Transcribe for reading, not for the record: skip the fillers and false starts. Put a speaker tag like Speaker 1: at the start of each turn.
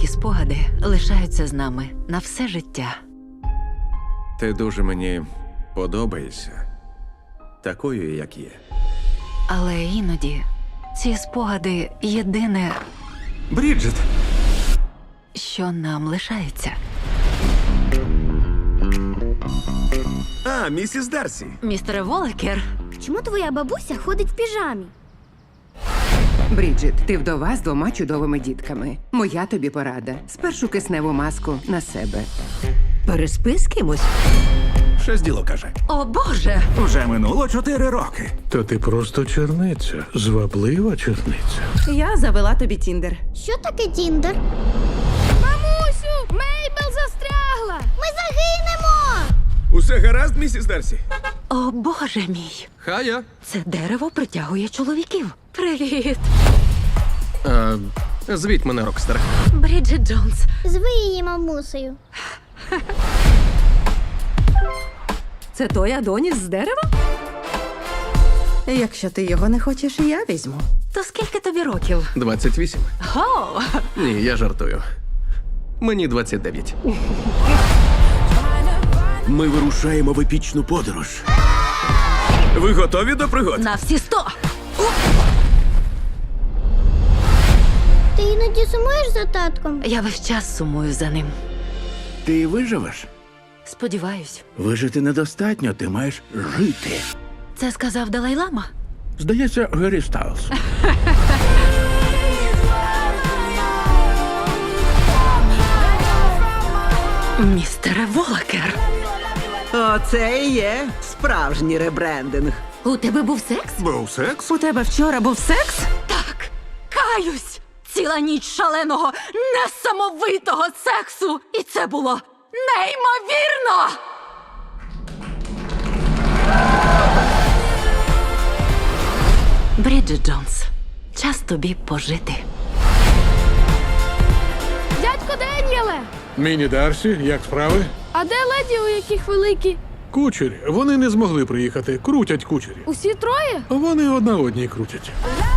Speaker 1: Деякі спогади лишаються з нами на все життя.
Speaker 2: Ти дуже мені подобаєшся. Такою, як є.
Speaker 1: Але іноді ці спогади єдине,
Speaker 2: Бріджит!
Speaker 1: що нам лишається.
Speaker 2: А, місіс Дарсі.
Speaker 1: Містере Волекер,
Speaker 3: Чому твоя бабуся ходить в піжамі?
Speaker 4: Бріджит, ти вдова з 2 чудовими дітками. Моя тобі порада. Спершу кисневу маску на себе.
Speaker 5: Переспи з кимось.
Speaker 2: Щось діло каже.
Speaker 1: о Боже!
Speaker 6: Уже минуло 4 роки.
Speaker 7: Та ти просто черниця, зваблива черниця.
Speaker 5: Я завела тобі Тіндер.
Speaker 3: Що таке Тіндер? Мамусю, Мейбл застрягла! Ми загинемо!
Speaker 2: Усе гаразд, місіс Дарсі?
Speaker 1: О Боже мій!
Speaker 2: Хая.
Speaker 1: Це дерево притягує чоловіків. Привіт!
Speaker 2: Звіть мене, Рокстер.
Speaker 1: Бріджит Джонс.
Speaker 3: Зви її мамусею.
Speaker 5: Це той Адоніс з дерева? Якщо ти його не хочеш, я візьму.
Speaker 1: То скільки тобі років?
Speaker 8: 28.
Speaker 1: О!
Speaker 8: Ні, я жартую. Мені 29.
Speaker 2: Ми вирушаємо в епічну подорож. Ви готові до пригод?
Speaker 1: На всі 100!
Speaker 3: Ти іноді сумуєш за татком?
Speaker 1: Я весь час сумую за ним.
Speaker 6: Ти виживеш?
Speaker 1: Сподіваюсь.
Speaker 6: Вижити недостатньо, ти маєш жити.
Speaker 1: Це сказав Далай-Лама?
Speaker 6: Здається, Гері Стайлз.
Speaker 1: Містере Волекер.
Speaker 5: Оце і є справжній ребрендинг.
Speaker 1: У тебе був секс?
Speaker 2: Був секс?
Speaker 5: У тебе вчора був секс?
Speaker 1: Так, каюсь! Ціла ніч шаленого, несамовитого сексу! І це було неймовірно! Бріджит Джонс, час тобі пожити.
Speaker 3: Дядько Деніеле!
Speaker 7: Міні Дарсі, як справи?
Speaker 3: А де леді, у яких великі?
Speaker 7: Кучері. Вони не змогли приїхати. Крутять кучері.
Speaker 3: Усі троє?
Speaker 7: Вони одна одній крутять.